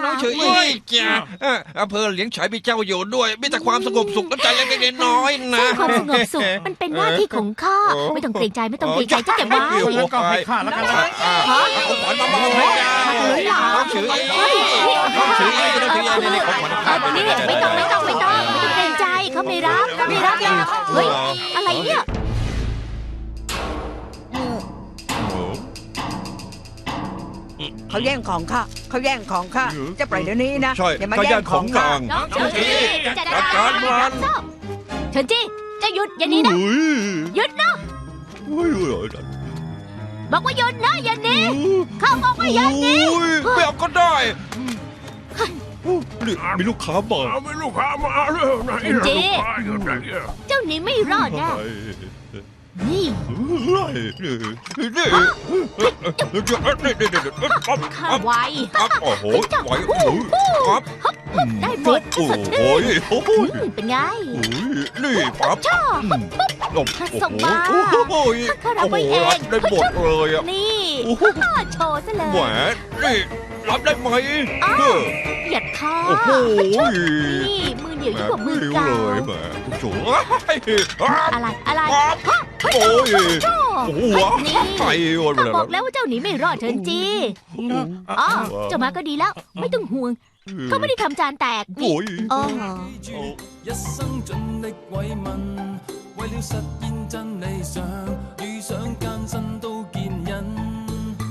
น้องเฉยจ้ะอำเภอเหลียงฉายมีเจ้าอยู่ด้วยมีแต่ความสงบสุขน้ำใจเล็กๆน้อยๆนะความสงบสุขมันเป็นหน้าที่ของข้าไม่ต้องเกรงใจไม่ต้องเกรงใจจะเก็บไว้แล้วก็ให้ข้าแล้วกันนะของขวัญมาน้องเฉยน้องเฉยน้องเฉยนี่ของขวัญนี่ไม่ต้องเกรงใจเขาไม่รับหรอกเฮ้ยอะไรเนี่ยเขาแย่งของข้าจะปล่อยเดี๋ยวนี้นะใช่อย่ามาเขาแย่แย่งงขขออง งข้านางน้องเฉินจี้จัดการมันเฉินจี้จะหยุดอย่านี้นะหยุดนะบอกว่าหยุดนะอย่าหนี้เขาบอกว่าอย่าหนี้ไม่เอาก็ได้นี่มีลูกค้ามาเอาไปลูกค้ามาเร็วไหนลูกค้าอยู่ไหนเจ้าหนี้ไม่รอดแน่นี่ข้าไวครับโอ้โหไหวครับได้หมดโอ้โหเป็นไงนี่ปั๊บชอบโอ้โหโอ้โหรับได้หมดเลยอ่ะนี่โชว์ซะเลยแหมนี่รับได้ไหมหยัดคอโอ้โหนี่มือเหนียวยิ่งกว่ามือเลยเก่าแหมโถ่อะไรโอ้ยโอ้โหไปวันข้าเลยบอกแล้วว่าเจ้าหนีไม่รอดเถินจีอ๋อเจ้ามาก็ดีแล้ว ไม่ต้องห่วงเขาไม่ได้ทำจานแตกนี่โอ้ยอ๋อ一生盡力慰問，為了實現真理想，遇上艱辛都